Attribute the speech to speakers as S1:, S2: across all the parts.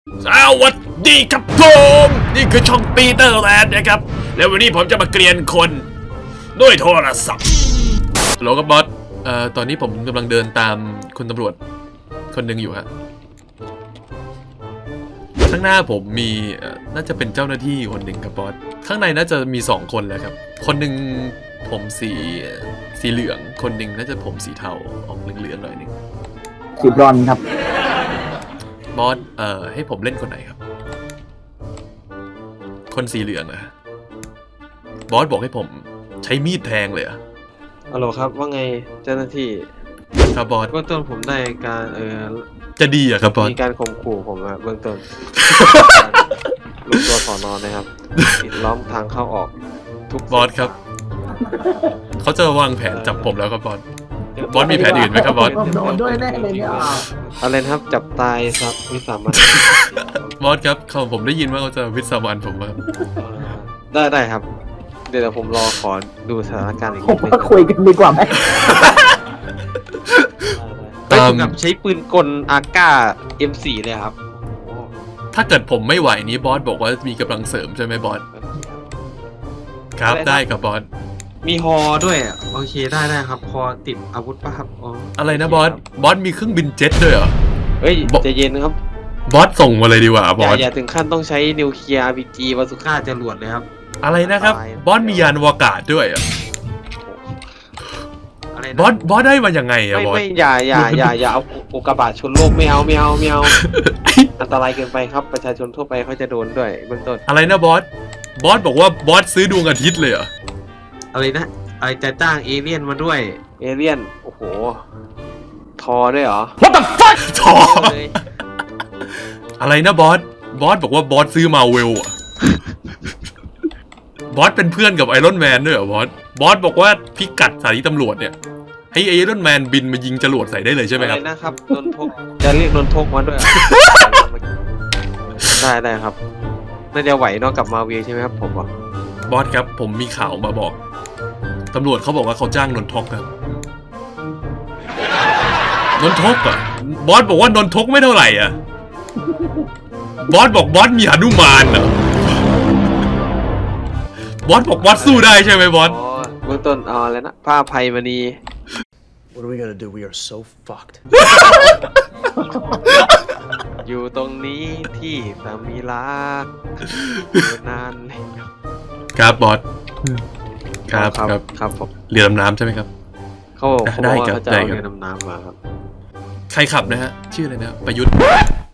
S1: สวัสดีครับผมนี่คือช่องปีเตอร์แลนด์นะครับแล้ววันนี้ผมจะมาเกรียนคนด้วยโทรศัพท์โหลกับบอสตอนนี้ผมกำลังเดินตามคุณตำรวจคนหนึ่งอยู่ฮะข้างหน้าผมมีน่าจะเป็นเจ้าหน้าที่คนหนึ่งครับบอสข้างในน่าจะมี2คนแล้วครับคนหนึ่งผมสีเหลืองคนหนึ่งน่าจะผมสีเทาออกเหลืองๆหน่อยนึง
S2: สีบรอนซ์ครับ
S1: บอสให้ผมเล่นคนไหนครับคนสีเหลืองนะบอสบอกให้ผมใช้มีดแทงเลยอะ
S3: ฮัลโหลครับว่าไงเจ้าหน้าที่
S1: ครับบอส
S3: เบื้องต้นผมได้การ
S1: จะดีอะครับบอส
S3: มีการข่มขู่ผมอะเบื้องต้นลูกตัวสอนอนะครับปิดล้อมทางเข้าออกทุก
S1: บอสครับเขาจะวางแผนจับผมแล้วครับบอสบอสมีแผนอื่นไหมครับบอส
S2: โดนด้วยแน่เลยเนี่ย
S3: อะไรนะครับจับตายครับวิสามัน
S1: บอสครับผมได้ยินว่าเขาจะวิสามันผมครับ
S3: ได้ครับเดี๋ยวผมรอขอดูสถานการณ์อีก
S2: ผม
S3: นิดนึง
S2: ว่าคุยกันดีกว่าไหม
S3: ไปถึงกับใช้ปืนกลอาก้า M4 เลยครับ
S1: ถ้าเกิดผมไม่ไหวนี้บอสบอกว่ามีกำลังเสริมใช่ไหมบอสครับได้ครับบอส
S3: มีฮอด้วยโอเคได้ครับฮอติดอาวุธป่ะครับ
S1: อะไรนะบอสมีเครื่องบินเจ็ตด้วยเหรอ
S3: เฮ้ยใจเย็นครับ
S1: บอสส่งมาเลยดีกว่าบอส
S3: อย่าถึงขั้นต้องใช้นิวเคลียร์ RPG บาซูก้าจรวดเลยครับ
S1: อะไรนะครับบอสมียานอวกาศด้วยอ่ะบอสได้มาอย่างไงอ่ะบอส
S3: ไม่อย่าเอาอุกกาบาตชนโลกไม่เอาอันตรายเกินไปครับประชาชนทั่วไปเขาจะโดนด้วยเบื้องต้น
S1: อะไรนะบอสบอกว่าบอสซื้อดวงอาทิตย์เลยเหรอ
S3: อะไรนะอะไรจะจ้างเอเลี่ยนมาด้วยเอเลี่ยนโอ้โหทอด้วยเหรอ
S1: What the fuck ทออะไรนะบอสบอกว่าบอสซื้อมาเวลอะบอสเป็นเพื่อนกับไอรอนแมนด้วยเหรอบอสบอกว่าพิกัดสถานีตำรวจเนี่ยให้ไอรอนแมนบินมายิงจรวดใส่ได้เลยใช่ไหมครับ
S3: อะไรนะครับนนทกจะเรียกนนทกมาด้วยได้ครับน่าจะไหวนอกกับมาเวลใช่ไหมครับผมบอก
S1: บอสครับผมมีข่าวมาบอกตำรวจเขาบอกว่าเขาจ้างนนทกครับนนทกอ่ะบอสบอกว่านนทกไม่เท่าไหร่อ่ะบอสบอกบอสมีหนุมานเหรอบอสบอกบอสสู้ได้ใช่ไหมบอส
S3: เบื้องต้นแล้วนะผ้าไพมณี
S4: What are we gonna do? We are so fucked.
S3: อยู่ตรงนี้ที่สามีรักนาน
S1: ครับบอสครับ
S3: ผม
S1: เรือดำน้ำใช่ไหมครับ
S3: เขาบอกว่าเขาจะเอาเรือดำน้ำมาครับ
S1: ใครขับนะฮะชื่ออะไรนะประยุทธ์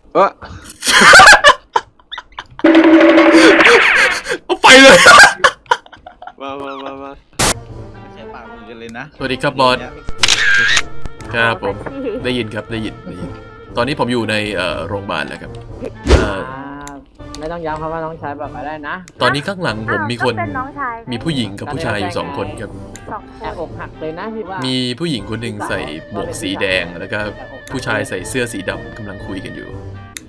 S1: เอาไปเลย
S3: มา
S4: ไม่ใช่ปากมือกันเลยนะ
S1: สวัสดีครับบอสครับผมได้ยินครับได้ยินตอนนี้ผมอยู่ในโรงพยาบาลแล้วครับ
S2: ไม่ต้องย้ำครับว่าน้องชายแบบอะไรนะ
S1: ตอนนี้ข้างหลังผมมีคนมีผู้หญิงกับผู้ชายอยู่2คนครับ
S2: แอบอกหักเลยนะพี่ว่า
S1: มีผู้หญิงคนหนึ่งใส่หมวกสีแดงแล้วก็ผู้ชายใส่เสื้อสีดำกำลังคุยกันอยู่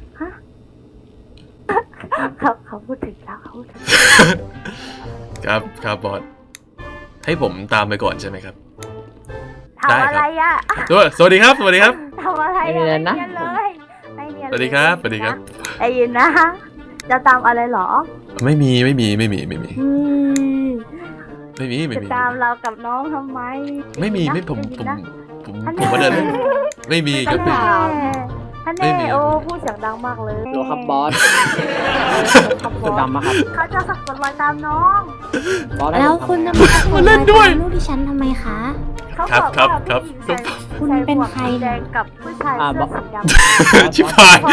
S5: เขาพูดถึงแล้วเขาพูดถึง
S1: ครับบอสให้ผมตามไปก่อนใช่ไหมครับ
S5: ทำอะไรอ่ะ
S1: สวัสดีครับ
S5: ทำอะไร
S2: นะ
S5: เลย
S1: สวัสดีครับ
S5: ได้ยินนะจะตามอะไรหรอ
S1: ไม่มี
S5: จะตามเรากับน้องทำไม
S1: ไม่มีผมมาเดินเล่นไม่มีครับ
S5: ท่านแน่โอ้พูดเสียงดังมากเลย
S2: โลครับบอสดำมาครับ
S5: เขาจะสักกดรอยตามน้อง
S6: แล้วคุณจะมาสักกดรอยตามลูกดิฉันทำไมคะ
S1: ครับ
S6: คุณเป็นใคร
S5: แดงกับผู้ชายเสื้อสีดำ
S1: ชิบหาย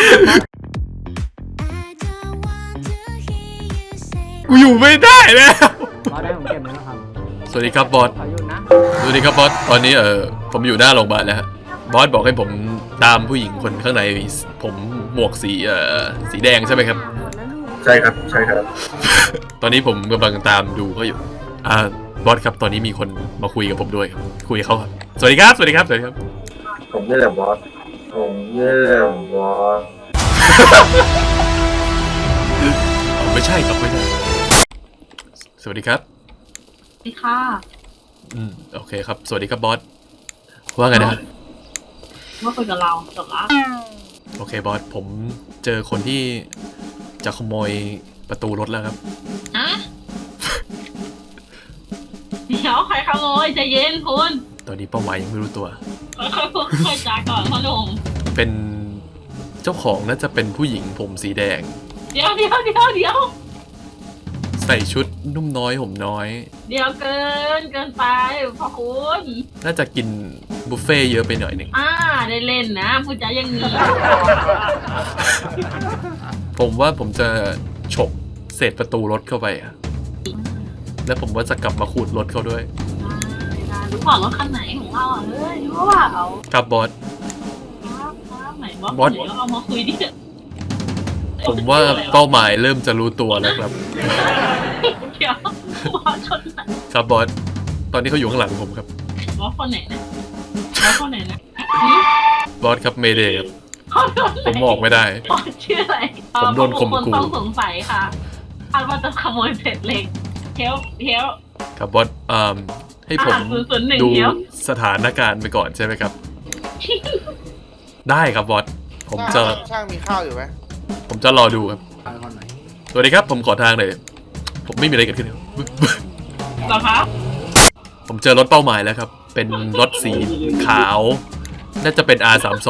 S1: กูอยู่ไม่ได้แล้ว
S2: บอสได้ผมเก็บแล้วครับ
S1: สวัสดีครับบอสสวัสดีครับบอสตอนนี้ผมอยู่หน้าโรงพยาบาลแล้วบอสบอกให้ผมตามผู้หญิงคนข้างในผมหมวกสีแดงใช่ไหมครับ
S4: ใช่ครับ
S1: ตอนนี้ผมกำลังตามดูเขาอยู่บอสครับตอนนี้มีคนมาคุยกับผมด้วยครับคุยกับเขาครับสวัสดีครับ
S4: ผมนี่แหละบอส
S1: ไม่ใช่ครับสวัสดีครับ
S5: สวัสดีค่ะ
S1: โอเคครับสวัสดีครับบอสว่าไงนะ
S5: ว่าคุยกับเราจบละ
S1: โอเคบอสผมเจอคนที่จะขโมยประตูรถแล้วครับ
S7: ฮะ เดี๋ยวใครขโมยใจเย็นคุณ
S1: ตอนนี้เป้าหมายยังไม่รู้ตัว
S7: ค่อยๆพูดค่อยๆจาก่อนพ่อหนุ่ม
S1: เป็นเจ้าของน่าจะเป็นผู้หญิงผมสีแดง
S7: เดี๋ยว
S1: ใส่ชุดนุ่มน้อยห่มน้อย
S7: เดี๋ยวเกินไปพ่อคุณ
S1: น่าจะกินบุฟเฟ่ต์เยอะไปหน่อยหนึ่ง
S7: ได้เล่นนะพูดจาอย่างนี้
S1: ผมว่าผมจะฉกเศษประตูรถเข้าไปอะแล้วผมว่าจะกลับมาขูดรถเขาด้วย
S7: รู้เปล่ารถคันไหนของเราเฮ้ยรู้เปล่า
S1: ครับบอส
S7: ครับไหนบอส
S1: บอส
S7: เดี๋ยวเอามาคุยดิ
S1: ผมว่าเป้าหมายเริ่มจะรู้ตัวแล้วครับ
S7: เดี๋ยวบอสคนไหน
S1: ครับบอส ตอนนี้เขาอยู่ข้างหลังผมครับ
S7: บอสคนไหนนะบอสคนไหนนะ
S1: บอสครับเมเดย์ครับ
S7: เขาโดนไหน
S1: ผมบอกไม่ได้
S7: บอสชื่ออะไร
S1: ผมโดนข่มขู่
S7: คนต้องสงสัยค่ะคาดว่าจะขโมยเศษเหล็กเฮล
S1: ครับบอสให้ผม
S7: 001
S1: ดู
S7: เดี๋ยว
S1: สถานการณ์ไปก่อนใช่ไหมครับ ได้ครับบอส ผมจะ
S8: ช่างมีข้าวอยู่ไหม
S1: ผมจะรอดูครับ สวัสดีครับ ผมขอทางหน่อย ผมไม่มีอะไรเกิดขึ้นครับ
S7: เหรอคะ
S1: ผมเจอรถเป้าหมายแล้วครับ เป็นรถสีขาว น่าจะเป็น R32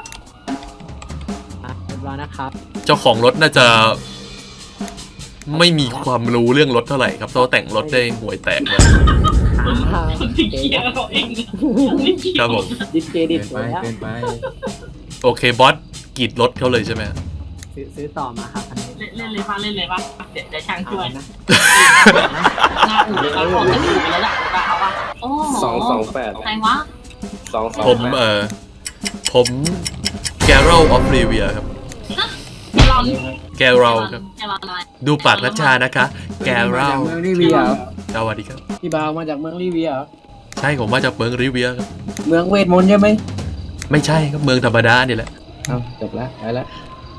S2: เรียบร้อยนะครับ
S1: เจ้าของรถน่าจะ ไม่มีความรู้เรื่องรถเท่าไหร่ครับเพราะแต่งรถได้ห่วยแตกเลย
S7: คุณที่เคลียร์เขาเองนะครับ
S1: ผม
S2: ดิสเครดิตไว้แล้ว
S1: โอเคบอสกรีดรถเขาเลยใช่ไหม
S2: ซื้อต่อมาครับอันนี้
S7: เล่นเลยป่ะเดี๋ยวช่างช่วย
S2: นะ
S7: หน้าอู่เราคงจะอู่แล้วล่ะเอาป่ะโอ้
S3: 228
S7: ใครวะ
S1: ผมผมแกเรลออฟรีเวียครับ
S7: แกลอน
S1: แกเรลครับ
S7: แกลอนอะไร
S1: ดูปากรัชชานะคะแกเรล
S2: เมืองรีเวียเหรอ
S1: สวัสดีครับ
S2: พี่บาวมาจากเมืองรีเวียเหรอ
S1: ใช่ผมมาจากเมืองริเวียครับ
S2: เมืองเวทมนต์ใช่ไหม
S1: ไม่ใช่ครับเมืองธรรมดานี่แหละ
S2: เอาจบแล้วไปแล้ว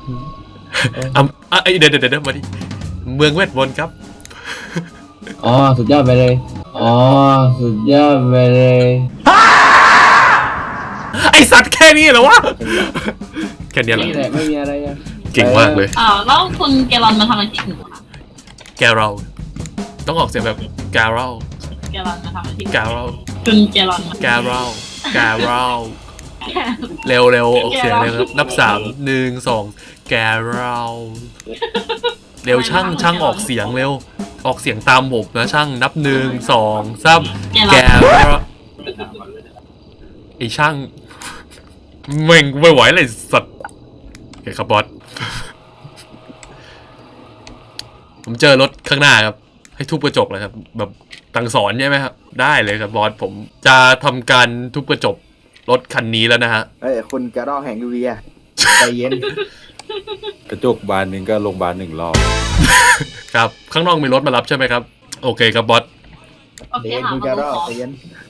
S1: เดี๋ยวมาดิเมืองเวทมนต์ครับ
S2: อ๋อสุดยอดไปเลยอ๋อสุดยอดไปเลย
S1: ไอสัตว์แค่นี้เหรอวะ แค่นี้เหรอ
S2: นี่แหละไม่มีอะไรอะ
S1: เก่งมากเลย
S7: แล้วคุณแกลอนมาทำอะไรที่อู่คะ
S1: แกเรลต้องออกเสียงแบบแกเรล
S7: แกลอนมาทำอะไรที่
S1: แกเรล
S7: คุณแกลอนมา
S1: แกเรลแกเรลเร็วออกเสียงเร็วครับนับ3 1 2แกเรลเร็วช่างออกเสียงเร็วออกเสียงตามผมนะช่างนับ1 2 3แกเรลไอช่างเม่งไม่ไหวเลยสัตว์โอเคครับบอส ผมเจอรถข้างหน้าครับ ให้ทุบกระจกเลยครับ แบบตังสอนใช่ไหมครับ ได้เลยครับบอสผมจะทำการทุบกระจกรถคันนี้แล้วนะฮะ
S8: เฮ้ยคุณกระรอกแห่งยูเวียใจเย็น
S9: กระจกบานหนึ่งก็โรงพยาบาล1 รอบ
S1: ครับข้างนอกมีรถมารับใช่ไหมครับ โอเคครับบอส
S7: โอเค
S8: เย็น
S7: ค่ะ
S8: คุณกระรอกใจเย็น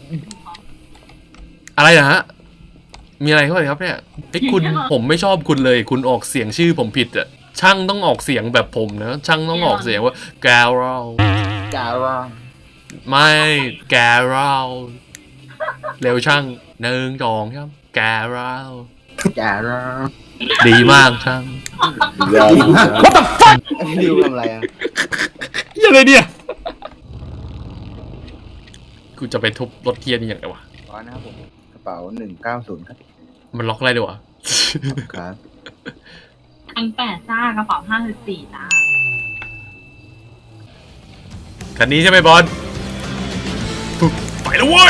S1: อะไรนะฮะมีอะไรเข้าไปครับเนี่ยไอ้คุณผมไม่ชอบคุณเลย คุณออกเสียงชื่อผมผิดอะช่างต้องออกเสียงแบบผมนะช่างต้องออกเสียงว่าแกเรล
S8: กระรอก
S1: ไม่แกเรลเร็วช่าง1 2ครับแกเรล
S8: กระรอก
S1: ดีมากช่าง
S8: What the fuck ดิวทำอะไรอ่ะ
S1: ยังไงเนี่ยกูจะไปทุบรถเทียนนี่ยังไงวะ
S8: ขอนะครับผมกระเป๋า190ครับ
S1: มันล็อกอะไรด้วยวะ
S8: ครับ
S7: 1,800จ้ากระเป๋า54จ้า
S1: คันนี้ใช่ไหมบอลปุ๊บไปแล้วเว้ย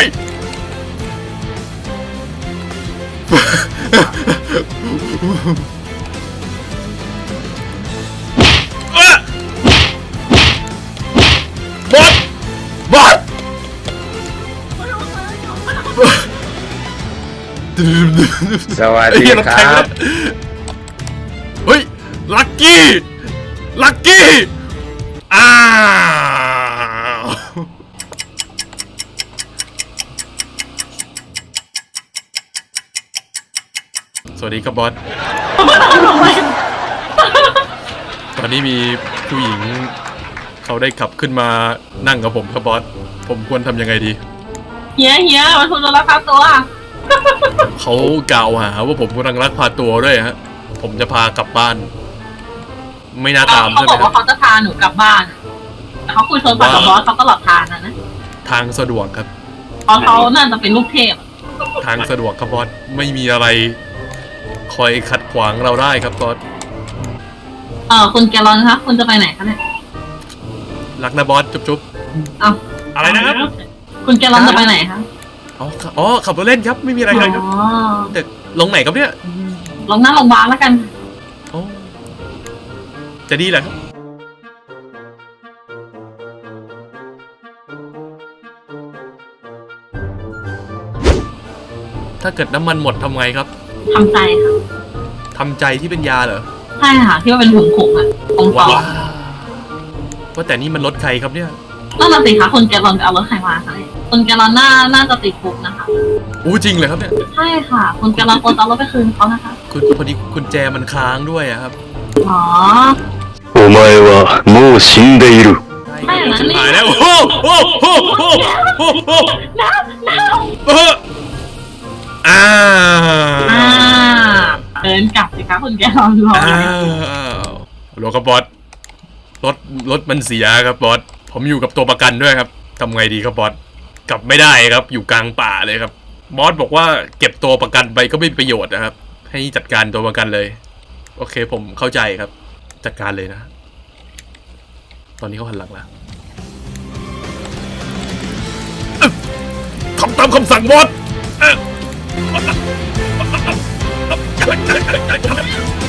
S1: บอลบอล
S4: สวัสดี
S1: เฮ้ย
S4: ครับ
S1: เฮ้ย ลักกี้ ลักกี้ อ้าว สวัสดีครับบอส ตอนนี้มีผู้หญิง เขาได้ขับขึ้นมานั่งกับผมครับบอส ผมควรทำยังไงดี
S7: เฮียมันคุณโดนลักพาตัว
S1: เขากล่าวหาว่าผมกำลังลักพาตัวด้วยฮะ ผผมจะพากลับบ้าน ไม่น่าตาม
S7: เขา
S1: ใช่ไห
S7: บ
S1: ม
S7: อก
S1: ครั
S7: ว่า
S1: บ
S7: เขาจะพาหนูกลับบ้านแต่เขาคุยโทรศัพท์กับบอสเขาตลอดทางนะ
S1: ทางสะดวกครับ
S7: เพราะเขาน่าจะเป็นลูกเทพ
S1: ทางสะดวกครับบอสไม่มีอะไร คอยขัดขวางเราได้ครับบอส
S7: คุณแกลลอนคะคุณจะไปไหนคะเนี่ย
S1: รักนะบอสจุ๊บ
S7: เอา
S1: ๆอะไรนะครับ
S7: คุณแกลลอนจะไปไหนคะ
S1: อ๋อขับรถเล่นครับไม่มีอะไรเลยครับ
S7: อ๋อ
S1: แต่ลงไหนครับเนี่ย
S7: ลงหน้าโรงพยาบาลแล้วกัน
S1: อ๋อจะดีเหรอครับถ้าเกิดน้ำมันหมดทำไงครับ
S7: ทำใจค่ะ
S1: ทำใจที่เป็นยาเหรอ
S7: ใช่ค่ะ ที่ว่าเป็นผงผงๆอ่ะผงปอ
S1: ว้าวว่าแต่นี่มันรถใครครับเนี่ย
S7: นั่นน่ะสิคะคุณแกลลอนไปเอารถใครมาคะเนี่ยคุณแกลลอนน่าจะติดคุกนะคะ
S1: อู้จริงเลยครับเนี่ย
S7: ใช่ค่ะ คุณแกลลอนควรจะเอารถไปคืนเขานะคะ
S1: คุณพอดีคุณแจมันค้างด้วยอะครับ
S7: อ๋อ
S4: お前はもう死んでいる。
S7: ไม่อย่างนั้นนี่
S1: หายแล้วโอ้โหโอ้โหโอ้โหโอ้โห
S7: น้ำ
S1: อ้า
S7: เดินกลับสิคะคุณแกลลอนรอ
S1: อ้าวโลกบอสรถมันเสียครับบอสผมอยู่กับตัวประกันด้วยครับทำไงดีครับบอสกลับไม่ได้ครับอยู่กลางป่าเลยครับบอสบอกว่าเก็บตัวประกันไปก็ไม่มีประโยชน์นะครับ ให้จัดการตัวประกันเลย โอเคผมเข้าใจครับ จัดการเลยนะ ตอนนี้เขาหันหลังแล้วทำตามคำสั่งบอส